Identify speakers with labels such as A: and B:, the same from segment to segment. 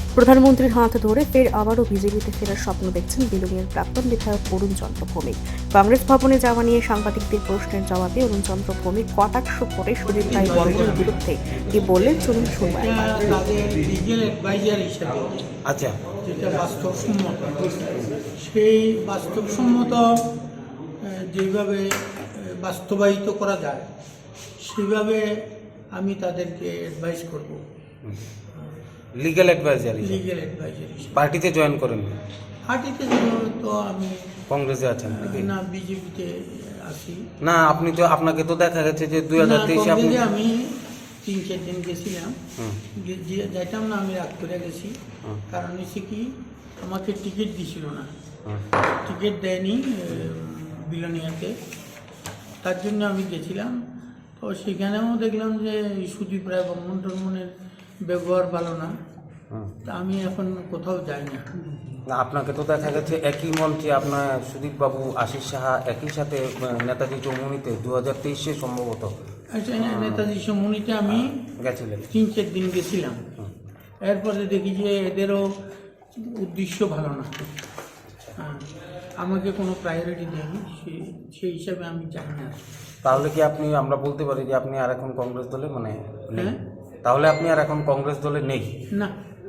A: প্রধানমন্ত্রীর হাত ধরে ফের আবারও বিজেপিতে ফেরার স্বপ্ন দেখছেন বিলোনিয়ার প্রাক্তন বিধায়ক অরুণ চন্দ্র ভৌমিক। কংগ্রেস ভবনে যাওয়া নিয়ে সাংবাদিকদের প্রশ্নের জবাবে অরুণ চন্দ্র ভৌমিক কটাক্ষ করে সুদীপ রায় বর্মনের বিরুদ্ধে কি বললেন চলুন শুনবো একবার।
B: লিগ্যাল অ্যাডভাইজার হিসেবে
C: আচ্ছা,
B: যেটা বাস্তবসম্মত, সেই বাস্তবসম্মত যেভাবে বাস্তবায়িত করা যায় সেইভাবে আমি তাদেরকে অ্যাডভাইস করব।
C: লিগ্যাল অ্যাডভাইজার
B: লিগ্যাল অ্যাডভাইজার হিসেবে
C: পার্টিতে জয়েন করেন?
B: পার্টিতে তো আমি
C: কংগ্রেসে আছেন নাকি?
B: না, বিজেপিতে আছি।
C: না, আপনাকে তো দেখা গেছে যে 2023 আপনি
B: আমি 3-4 দিন গেছিলাম, যাইতাম না, আমি রাগ করে গেছি। কারণ হচ্ছে কি, আমাকে টিকিট দিছিল না, টিকিট দেয়নি বিলোনিয়াতে, তার জন্য আমি গেছিলাম। তো সেখানেও দেখলাম যে সুদীপ রায় বর্মনের ব্যবহার ভালো না, তা আমি এখন কোথাও যাই না।
C: আপনাকে তো দেখা গেছে একই মঞ্চে আপনার সুদীপ বাবু, আশিস সাহা একই সাথে নেতাজি চৌমুহনীতে 2023 সম্ভবত
B: আচ্ছা, নেতাজি চৌমুহনীতে আমি
C: গেছিলেন।
B: 3-4 দিন গেছিলাম। এরপরে দেখি যে এদেরও উদ্দেশ্য ভালো না, আমাকে কোনো প্রায়োরিটি দেয়নি, সেই হিসাবে আমি জানি না।
C: তাহলে কি আমরা বলতে পারি যে আপনি আর এখন কংগ্রেস দলে নেই? তাহলে আপনি আর এখন কংগ্রেস দলে নেই?
B: না,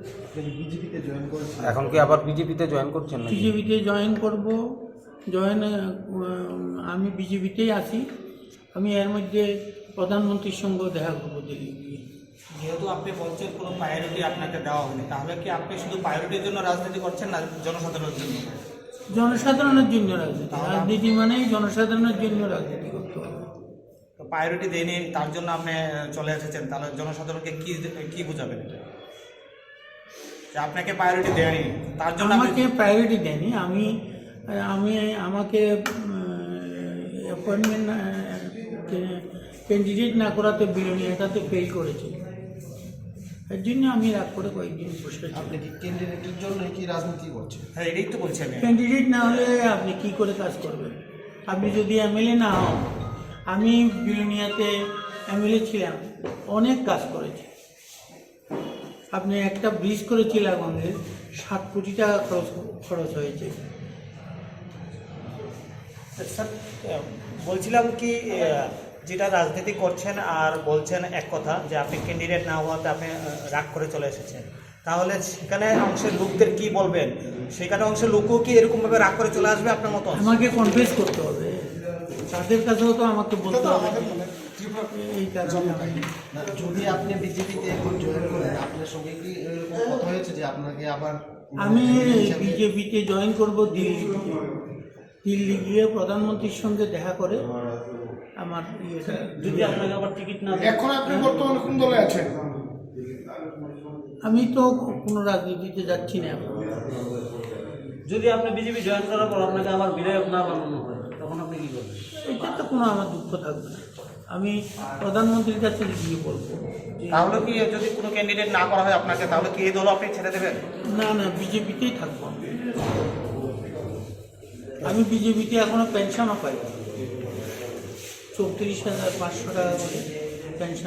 C: এখন কি আবার বিজেপিতে জয়েন করছেন?
B: বিজেপিতে জয়েন করব। আমি বিজেপিতেই আছি। আমি এর মধ্যে প্রধানমন্ত্রীর সঙ্গে দেখা করবো দিল্লি গিয়ে।
D: যেহেতু আপনি বলছেন কোনো প্রায়োরিটি আপনাকে দেওয়া হয়নি, তাহলে কি আপনি শুধু প্রায়োরিটির জন্য রাজনীতি করছেন না জনসাধারণের জন্য?
B: জনসাধারণের জন্য রাজনীতি মানেই জনসাধারণের জন্য রাজনীতি করতে হবে।
D: তো প্রায়োরিটি দেয়নি, তার জন্য আপনি চলে এসেছেন, তাহলে জনসাধারণকে কি বুঝাবেন এটা? যে আপনাকে প্রায়োরিটি দেয়নি, তার জন্য
B: আমাকে প্রায়োরিটি দেয়নি। আমাকে অ্যাপয়েন্টমেন্ট ক্যান্ডিডেট না করাতে বিলোনিয়াটাতে ফেল করেছে, এর জন্য আমি রাগ করে কয়েকদিন বসে আছি।
E: আপনি কি ক্যান্ডিডেটের জন্য কি রাজনীতি করছেন?
D: হ্যাঁ, এটাই তো বলছি আমি।
B: ক্যান্ডিডেট না হলে আপনি কি করে কাজ করবেন? আপনি যদি এমএলএ না হন, আমি বিলোনিয়াতে এমএলএ ছিলাম, অনেক কাজ করেছি। আপনি একটা ব্রিজ করেছি লাগানোর 7 কোটি টাকা খরচ হয়েছে।
D: স্যার, বলছিলাম কি, যেটা রাজনীতি করছেন আর বলছেন এক কথা, যে আপনি ক্যান্ডিডেট না হওয়াতে আপনি রাগ করে চলে এসেছেন, তাহলে সেখানে অংশের লোকদের কি বলবেন? সেখানে অংশের লোকও কি এরকমভাবে রাগ করে চলে আসবে আপনার মতো?
B: আমাকে কনফেস করতে হবে, তাদের কাছেও তো আমাকে বলতে হবে। এই কারণে
E: যদি আপনি বিজেপিতে এখন জয়েন করেন, আপনার সঙ্গে কি এরকম কথা হয়েছে যে আপনাকে আবার?
B: আমি বিজেপিতে জয়েন করব দিল্লি গিয়ে প্রধানমন্ত্রীর সঙ্গে দেখা করে আমার ইয়েটা।
D: যদি আপনাকে আবার টিকিট না দেয়?
E: এখন আপনি বর্তমানে কোন দলে আছেন?
B: আমি তো কোনো রাজনীতিতে যাচ্ছি না এখন।
D: যদি আপনি বিজেপি জয়েন করার পর আপনাকে আবার বিধায়ক না বানানো হয়, তখন আপনি কি করবেন?
B: এটা তো কোনো আমার দুঃখ থাকবে না, আমি প্রধানমন্ত্রীর কাছে গিয়ে বলবো।
D: তাহলে কি যদি কোনো ক্যান্ডিডেট না করা হয় আপনাকে, তাহলে কি এই দল আপনি ছেড়ে দেবেন?
B: না, বিজেপিতেই থাকবো। আমি বিজেপিতে এখনো পেনশনও পাই, 34,500 টাকা করে পেনশন।